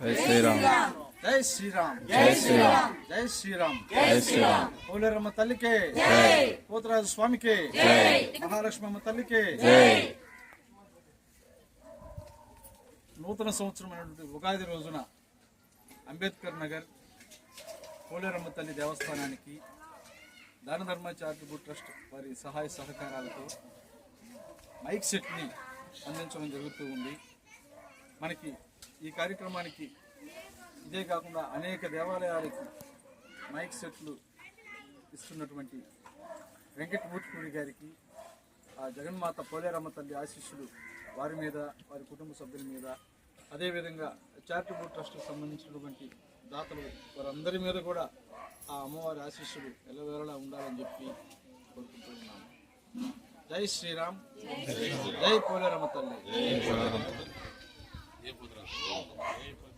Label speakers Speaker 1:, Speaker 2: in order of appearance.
Speaker 1: జై శ్రీరామ్.
Speaker 2: జై శ్రీరామ్.
Speaker 1: జై శ్రీరామ్.
Speaker 2: జై శ్రీరామ్.
Speaker 1: జై శ్రీరామ్.
Speaker 2: పోలేరమ్మ తల్లికే, పోతరాజు స్వామికి, మహాలక్ష్మమ్మ తల్లికి. నూతన సంవత్సరమైనటువంటి ఉగాది రోజున అంబేద్కర్ నగర్ పోలేరమ్మ తల్లి దేవస్థానానికి దాన ధర్మ చారిటబుల్ ట్రస్ట్ వారి సహాయ సహకారాలతో మైక్ సెట్ని అందించడం జరుగుతూ ఉంది. మనకి ఈ కార్యక్రమానికి ఇదే కాకుండా అనేక దేవాలయాలకి మైక్ సెట్లు ఇస్తున్నటువంటి వెంకటమూర్తిపూడి గారికి ఆ జగన్మాత పోలేరమ్మ తల్లి ఆశీస్సులు వారి మీద, వారి కుటుంబ సభ్యుల మీద, అదేవిధంగా చారిటబుల్ ట్రస్ట్కి సంబంధించినటువంటి దాతలు వారందరి మీద కూడా ఆ అమ్మవారి ఆశీస్సులు ఎల్లవేళలా ఉండాలని చెప్పి కోరుకుంటున్నాను. జై శ్రీరామ్. జై పోలేరమ్మ తల్లి.